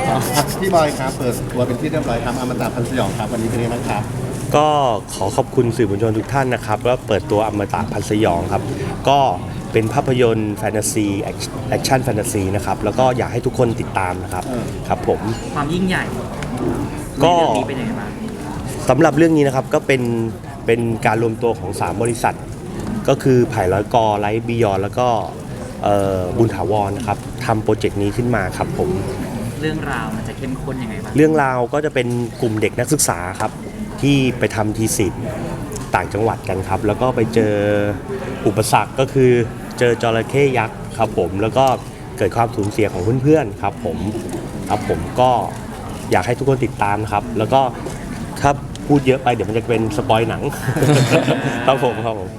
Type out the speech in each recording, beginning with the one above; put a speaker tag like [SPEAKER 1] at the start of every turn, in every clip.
[SPEAKER 1] พี่บอยครับเปิดตัวเป็นที่เรียบร้อยครับอมตะพันธ์สยองครับวันนี้เป็นยังไงบ้างครับ
[SPEAKER 2] ก็ขอขอบคุณสื่อมวลชนทุกท่านนะครับแล้วเปิดตัวอมตะพันธ์สยองครับก็เป็นภาพยนตร์แฟนตาซีแอคชั่นแฟนตาซีนะครับแล้วก็อยากให้ทุกคนติดตามนะครับครับผม
[SPEAKER 3] ความยิ่งใหญ่
[SPEAKER 2] ก็
[SPEAKER 3] เรื่องนี้เป็นยังไงบ้าง
[SPEAKER 2] สำหรับเรื่องนี้นะครับก็เป็นการรวมตัวของ3บริษัทก็คือไผ่ร้อยกอไลท์บิยอนแล้วก็บุญถาวรนะครับทำโปรเจกต์นี้ขึ้นมาครับผม
[SPEAKER 3] เรื่องราวมันจะเข้มข้นยังไงบ้าง
[SPEAKER 2] เรื่องราวก็จะเป็นกลุ่มเด็กนักศึกษาครับที่ไปทำทีสิทธ์ต่างจังหวัดกันครับแล้วก็ไปเจออุปสรรคก็คือเจอจระเข้ยักษ์ครับผมแล้วก็เกิดความสูญเสียของเพื่อนๆครับผมก็อยากให้ทุกคนติดตามครับแล้วก็ถ้าพูดเยอะไปเดี๋ยวมันจะเป็นสปอยหนัง ครับผม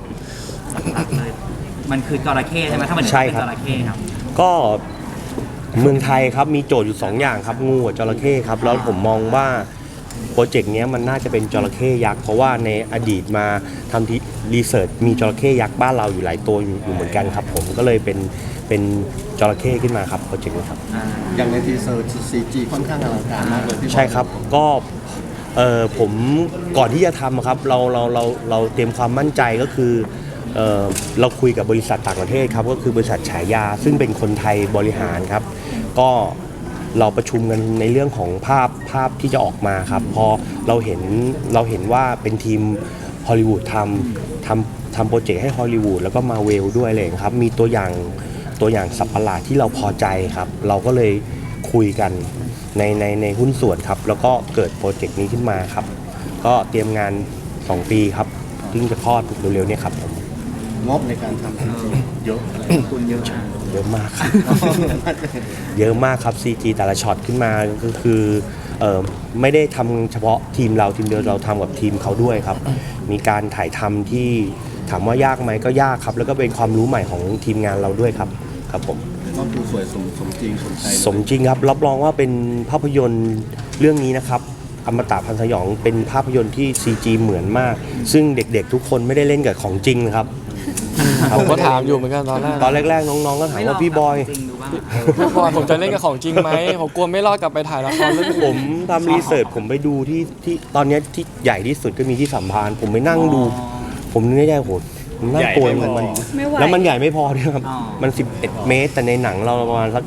[SPEAKER 3] มันคือจระเข้ใช่ไหมถ้ามันเป็นจระเข้ครับ
[SPEAKER 2] ก็เมืองไทยครับมีโจทย์อยู่2อย่างครับงูกับจระเข้ครับแล้วผมมองว่าโปรเจกต์นี้มันน่าจะเป็นจระเข้ยักษ์เพราะว่าในอดีตมาทำที่รีเสิร์ชมีจระเข้ยักษ์บ้านเราอยู่หลายตัวอยู่เหมือนกันครับผมก็เลยเป็นจระเข้ขึ้นมาครับโปรเจกต์นี้ครับ
[SPEAKER 1] อย่างในทีเซอร์ CG ค่อนข้างอลังการมากเลยพี่
[SPEAKER 2] ใช่ครับก็ผมก่อนที่จะทำครับเราเตรียมความมั่นใจก็คือเราคุยกับบริษัทต่างประเทศครับก็คือบริษัทฉายาซึ่งเป็นคนไทยบริหารครับก็เราประชุมกันในเรื่องของภาพที่จะออกมาครับพอเราเห็นว่าเป็นทีมฮอลลีวูดทำโปรเจกต์ให้ฮอลลีวูดแล้วก็มาเวลด้วยเลยครับมีตัวอย่างสัตว์ประหลาดที่เราพอใจครับเราก็เลยคุยกันในหุ้นส่วนครับแล้วก็เกิดโปรเจกต์นี้ขึ้นมาครับก็เตรียมงาน2 ปีครับซึ่งจะคลอดเร็วๆนี้ครับผม
[SPEAKER 1] งบในการทำเยอะคุณเยอะ
[SPEAKER 2] มากครับ เยอะมากครับ CG แต่ละช็อตขึ้นมาก็คือไม่ได้ทำเฉพาะทีมเราทีมเดียวเราทำกับทีมเขาด้วยครับมีการถ่ายทำที่ถามว่ายากไหมก็ยากครับแล้วก็เป็นความรู้ใหม่ของทีมงานเราด้วยครับครับผม
[SPEAKER 1] ก็คือสวยสมจริง
[SPEAKER 2] สมจริงครับรับรองว่าเป็นภาพยนตร์เรื่องนี้นะครับอมตะพันธ์สยองเป็นภาพยนตร์ที่ CG เหมือนมากซึ่งเด็กๆทุกคนไม่ได้เล่นกับของจริงนะครับ
[SPEAKER 4] ผมก็ถามอยู่เหมือนกัน
[SPEAKER 2] ตอนแรกๆน้องๆก็ถามว่าพี่บอย
[SPEAKER 4] ผมจะเล่นกับของจริงไหมผมกลัวไม่รอดกลับไปถ่ายละครเรื่อง
[SPEAKER 2] ผมทำรีเสิร์ชผมไปดูที่ตอนนี้ที่ใหญ่ที่สุดก็มีที่สัมพันธ์ผมไปนั่งดูผมนึกได้โหน่ากลัวมันแล้วมันใหญ่ไม่พอด้วยครับมัน11 เมตรแต่ในหนังเราประมาณสัก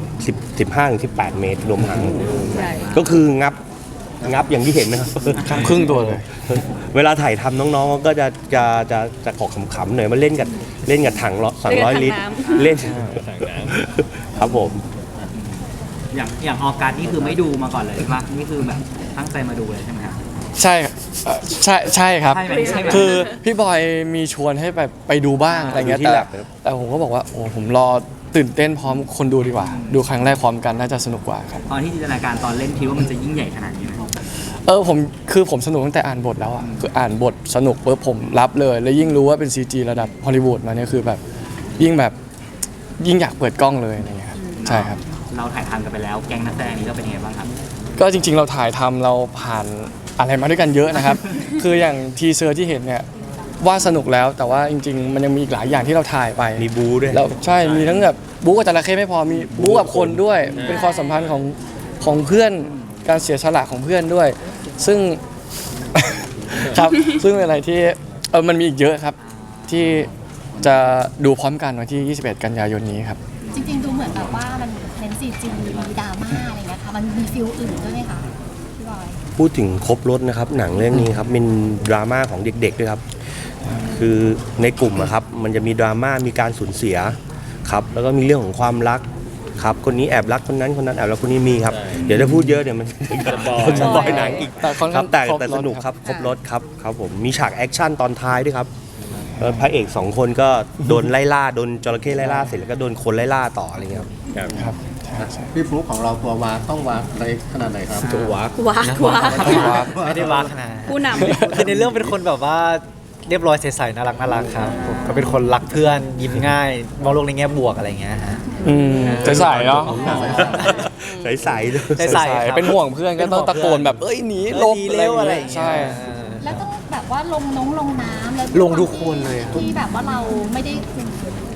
[SPEAKER 2] 15-18 เมตรรวมทั้งก็คืองับอย่างที่เห็นนะครับ
[SPEAKER 4] ครึ่งตัวเลย
[SPEAKER 2] เวลาถ่ายทำน้องๆก็จะขอขำๆหน่อยมาเล่นกับถัง200 ลิตรเล่นครับผม
[SPEAKER 3] อย่างออการนี่คือไม่ดูมาก่อนเลยป่ะนี่คือแบบตั้งใจมาดูเลยใช่ไหมครับ
[SPEAKER 4] ใช่ครับคือพี่บอยมีชวนให้ไปดูบ้างอะไรเงี้ยแต่ผมก็บอกว่าโอ้ผมรอตื่นเต้นพร้อมคนดูดีกว่าดูครั้งแรกพร้อมกันน่าจะสนุกกว่าครับ
[SPEAKER 3] ตอนที่จินตนาการตอนเล่นคิดว่ามันจะยิ่งใหญ่ขนาดนี้ไหม
[SPEAKER 4] ผมสนุกตั้งแต่อ่านบทแล้วอ่ะคืออ่านบทสนุกปุ๊บผมรับเลยแล้วยิ่งรู้ว่าเป็น CG ระดับฮอลลีวูดมาเนี่ยคือแบบยิ่งอยากเปิดกล้องเลยอะไรเงี้ยครับใช่ครับ
[SPEAKER 3] เราถ่ายทำกันไปแล้วแก๊งนักแสดงนี้เราเป็นยังไงบ้างครับ
[SPEAKER 4] ก็จริงๆเราถ่ายทำเราผ่านอะไรมาด้วยกันเยอะนะครับ คืออย่างทีเซอร์ที่เห็นเนี่ยว่าสนุกแล้วแต่ว่าจริงๆมันยังมีอีกหลายอย่างที่เราถ่ายไป
[SPEAKER 2] มีบูด้วย
[SPEAKER 4] เราใช่มีทั้งแบบบูกับจระเข้ไม่พอมีบูกับคนด้วยเป็นความสัมพันธ์ของเพื่อนการเสียสละของเพื่อนด้วยซึ่ง ครับซึ่งเป็นอะไรที่มันมีอีกเยอะครับที่จะดูพร้อมกันวันที่21 กันยายนนี้ครับ
[SPEAKER 5] จริงๆดูเหมือนแบบว่ามันเน้น CG มีดราม่าอะไรเงี้ยค่ะมันมีฟิลอื่นด้วยไหมคะพี่บอย
[SPEAKER 2] พูดถึงครบรถนะครับหนังเรื่องนี้ครับเป็นดราม่าของเด็กๆด้วยครับคือในกลุ่มครับมันจะมีดราม่ามีการสูญเสียครับแล้วก็มีเรื่องของความรักครับคนนี้แอบรักคนนั้นแอบรักคนนี้มีครับเดี๋ยวถ้าพูดเยอะเดี๋ยวมันจะบอยหนังอีกครับแต่สนุกครับครบรถครับผมมีฉากแอคชั่นตอนท้ายด้วยครับพระเอก2 คนก็โดนไล่ล่าโดนจระเข้ไล่ล่าเสร็จแล้วก็โดนคนไล่ล่าต่ออะไรเงี้ย
[SPEAKER 4] ครับ
[SPEAKER 1] พี่ฟลุ๊กของเราตัววากต้องวากอะไรขนาดไหนครับ
[SPEAKER 2] ตัววาก
[SPEAKER 3] ไม่ได้วากขนาด
[SPEAKER 6] ผู้นำคือในเรื่องเป็นคนแบบว่าเรียบร้อยใสๆน่ารักครับผมก็เป็นคนรักเพื่อนยิ้มง่ายมองโลกในแง่บวกอะไรเงี้ยฮะ
[SPEAKER 4] ใสๆเนาะ
[SPEAKER 2] ใสๆ
[SPEAKER 4] เป็นห่วงเพื่อนก็ต้องตะโกนแบบเอ้ยหนีลง
[SPEAKER 6] เร็วอะไรใช่
[SPEAKER 5] แล้วต้องแบบว่าลงน้ำแล้ว
[SPEAKER 6] ลงทุกคนเลย
[SPEAKER 5] ที่แบบว่าเราไม่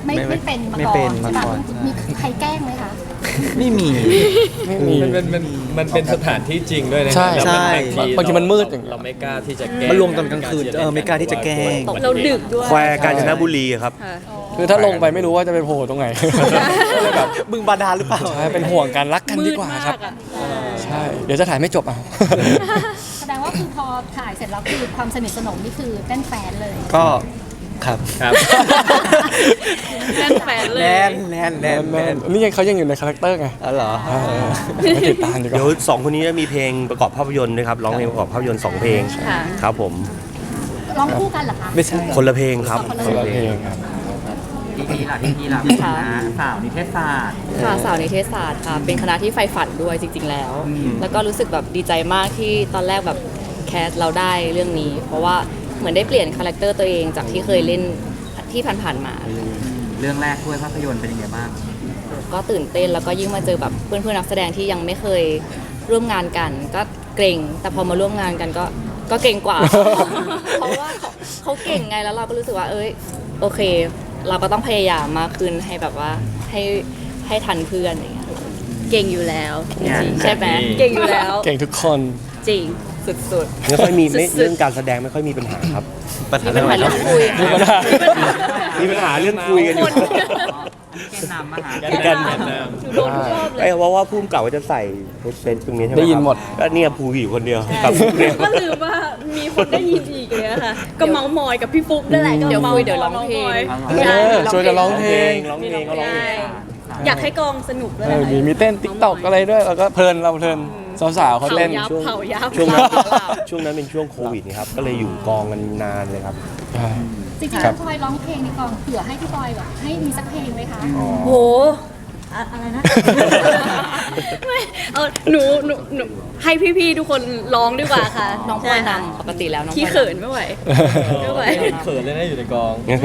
[SPEAKER 5] ไม่เป็นมา
[SPEAKER 6] ไม่
[SPEAKER 5] ก่อ
[SPEAKER 6] เป็น
[SPEAKER 5] น
[SPEAKER 6] มา
[SPEAKER 5] ใช่ปะ
[SPEAKER 6] ก่อน
[SPEAKER 5] มีใครแกล้งไหมคะ
[SPEAKER 6] ไม่มี
[SPEAKER 4] ไม่มี
[SPEAKER 7] มันเป็นสถานที่จริงด้วยนะ
[SPEAKER 4] ใช่
[SPEAKER 7] แล้ว
[SPEAKER 6] ใช่
[SPEAKER 4] บางทีมันมืดอย่างเงี้ย
[SPEAKER 7] เราไม่กล้าที่จะแกล้ง
[SPEAKER 6] มันรวมตอนกลางคืนไม่กล้าที่จะแกล้ง
[SPEAKER 8] เราดึกด้วย
[SPEAKER 2] แควกาญจนบุรีครับ
[SPEAKER 4] คือถ้าลงไปไม่รู้ว่าจะไปโผล่ตรงไหน ก็เลยแบบ
[SPEAKER 6] บึงบาดาลหรือเปล่า
[SPEAKER 4] ใช่เป็นห่วงกันรักกันดีกว่าครับ
[SPEAKER 8] มืดมากอะ
[SPEAKER 4] ใช่เดี๋ยวจะถ่ายไม่จบเอา
[SPEAKER 5] แสดงว่าคือพอถ่ายเสร็จแล้วคือความสนิทสนมนี่คือแน่นแฟนเลย
[SPEAKER 6] ก็ครับ
[SPEAKER 7] ครับ
[SPEAKER 8] แน่นแฟนเลย
[SPEAKER 6] แน่นแน่นแน่นแน่น
[SPEAKER 4] นี่ยังเขายังอยู่ในคาแรคเตอร์ไง
[SPEAKER 6] อ๋อเหรอ
[SPEAKER 4] ไม่ติดตามดีก
[SPEAKER 2] เดี๋ยว
[SPEAKER 4] ว่า
[SPEAKER 2] สองคนนี้จะมีเพลงประกอบภาพยนตร์ด้วยครับร้องเพลงประกอบภาพยนตร์2เพลง
[SPEAKER 8] ค่ะ
[SPEAKER 2] ครับผม
[SPEAKER 5] ร้องคู่กันเหรอคะ
[SPEAKER 6] ไม่ใช่
[SPEAKER 2] คนละเพลงครับ
[SPEAKER 4] คนละเพลงครับ
[SPEAKER 3] พี่ล่ะพี่ล่ะนะสาวนิเทศศาสตร์
[SPEAKER 8] ค่ะสาวนิเทศศาสตร์ค่ะ เป็นคณะที่ใฝ่ฝันด้วยจริง ๆ แล้ว แล้วก็รู้สึกแบบดีใจมากที่ตอนแรกแบบแคสเราได้เรื่องนี้ เพราะว่าเหมือนได้เปลี่ยนคาแรคเตอร์ตัวเองจากที่เคยเล่นที่ผ่านๆมา
[SPEAKER 3] เรื่องแรกด้วยภาพยนตร์เป็นยังไงบ้าง
[SPEAKER 8] ก็ตื่นเต้นแล้วก็ยิ่งมาเจอแบบเพื่อนๆนักแสดงที่ยังไม่เคยร่วมงานกัน ก็เกรงแต่พอมาร่วมงานกันก็เก่งกว่า เพราะว่าเขาเก่งไงแล้วเราก็รู้สึกว่าโอเค เราก็ต้องพยายามมากขึ้นให้แบบว่าให้ทันเพื่อนอย่างเงี้ยเก่งอยู่แล้วจริงๆใช่ไหมเก่งอยู่แล้ว
[SPEAKER 4] เก่งทุกคน
[SPEAKER 8] จริงสุดๆ
[SPEAKER 2] ไม่ค่อยมี
[SPEAKER 8] สุดๆ
[SPEAKER 2] เรื่องการแสดงไม่ค่อยมีปัญหาครับ
[SPEAKER 6] ปัญหา
[SPEAKER 8] มีปัญหาเรื่องคุย
[SPEAKER 4] มีปัญหา
[SPEAKER 2] มีปัญหาเรื่องคุยกันอยู่
[SPEAKER 3] แกนนำมาหา
[SPEAKER 2] กัน
[SPEAKER 8] โดนทุกรอบเลย
[SPEAKER 2] ไอ้ว่าพุ่มเก่าว่าจะใส่เซนตรงนี้ใช่ไหม
[SPEAKER 4] ได้ยินหมด
[SPEAKER 2] ก็เนี่ยภูอยู่คนเดียวครับเนี่ย
[SPEAKER 9] ก็ลืมว่ามีคนได้ยินอีกเลยอะค่ะ ก็เมาส์มอยกับพี่ฟุ๊กนั่นแหละก็
[SPEAKER 8] เดี๋ยว
[SPEAKER 9] เมา
[SPEAKER 8] คุย
[SPEAKER 9] ส์
[SPEAKER 8] เดี๋ยวร้องเพลง
[SPEAKER 4] เออชวนจะร้องเพลง
[SPEAKER 2] ร้องเพลงก็ร้องเพลง
[SPEAKER 9] อยากให้กองสนุกด้วย
[SPEAKER 4] เออ
[SPEAKER 9] นะคะ
[SPEAKER 4] มีเต้นติ๊กต็อกอะไรด้วยแล้วก็เพลินเราเพลินสาวๆเขาเต้น
[SPEAKER 9] เผายับ
[SPEAKER 2] ช่วงนั้น
[SPEAKER 8] หลับ
[SPEAKER 2] ช่วงนั้นเป็นช่วงโควิดนี่ครับก็เลยอยู่กองกันนานเลยครับ
[SPEAKER 4] ใช่
[SPEAKER 5] จริงๆ
[SPEAKER 4] ครั
[SPEAKER 5] แล้ว
[SPEAKER 4] บ
[SPEAKER 5] พลอยร้องเพลงในกองเผื่อให้พี่บอยแบบให้มีสักเพลงไหมคะ
[SPEAKER 9] โหอะไรนะ ไม่หนูให้พี่ๆทุกคนร้องดีกว่าค่ะ
[SPEAKER 8] น้องพล
[SPEAKER 9] ใช่
[SPEAKER 8] อย
[SPEAKER 9] ค่ะ
[SPEAKER 8] นำปกติแล้วน้องพล
[SPEAKER 9] ขี้
[SPEAKER 8] อย
[SPEAKER 9] เขินไม่ไหว ไม่ไหว
[SPEAKER 7] เขินเลยนะอยู่ในกอง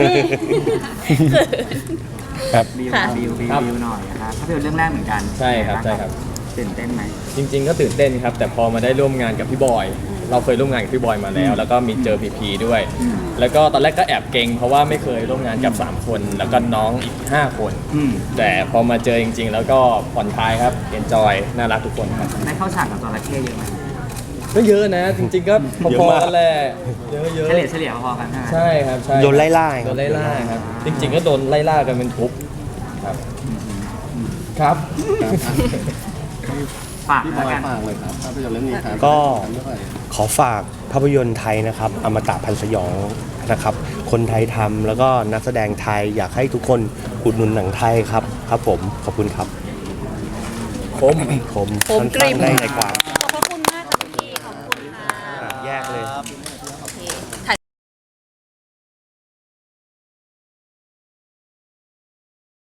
[SPEAKER 4] ครับ
[SPEAKER 3] บิว
[SPEAKER 9] ค่ะ
[SPEAKER 3] บิวบิว
[SPEAKER 7] ครับ
[SPEAKER 3] บิวหน่อยนะคะภาพยนตร์เรื่องแรกเหมือนกัน
[SPEAKER 7] ใช่ครับใช่ครับ
[SPEAKER 3] ตื่นเต้นไหม
[SPEAKER 7] จริงๆก็ตื่นเต้นครับ แต่พอมาได้ร่วมงานกับพี่บอย เราเคยร่วมงานกับพี่บอยมาแล้ว แล้วก็มีเจอพีพีด้วย แล้วก็ตอนแรกก็แอบเกรงเพราะว่าไม่เคยร่วมงานกับ 3 คน แล้วก็น้องอีก 5 คน แต่พอมาเจอจริง ๆ แล้วก็ผ่อนคลายครับเอนจอยน่ารักทุกคนครับ
[SPEAKER 3] ได้เข้าฉากกับจระเข้เยอะไหม
[SPEAKER 7] ก็เยอะนะ จริงๆก็พ
[SPEAKER 2] เยอะ
[SPEAKER 7] อ
[SPEAKER 2] มาก
[SPEAKER 7] ๆกันแหละเยอะ
[SPEAKER 3] เฉลี่ยพอๆกันใช่ไหม
[SPEAKER 7] ๆใช่ครับใช่
[SPEAKER 2] โดนไล่ล่า
[SPEAKER 7] โดนไล่ล่าครับ จริง ๆ ก็โดนไล่ล่ากันเป็นทุกข์ครับครับ
[SPEAKER 3] ฝาก
[SPEAKER 1] พี่บ
[SPEAKER 3] แล้
[SPEAKER 1] อ
[SPEAKER 3] วย กัน
[SPEAKER 1] ฝากเลยครับภาพยนตร์เรื่องนี้ครับ
[SPEAKER 2] ก็
[SPEAKER 1] เรื่องอะไร
[SPEAKER 2] ขอฝากภาพยนตร์ไทยนะครับอมตะพันธ์สยองนะครับ คนไทยทำแล้วก็นักแสดงไทยอยากให้ทุกคนอุดหนุนหนังไทยครับครับผมขอบคุณครับ
[SPEAKER 7] คม
[SPEAKER 2] ผม
[SPEAKER 8] คมกริบ
[SPEAKER 2] สั้นๆได้ใจความ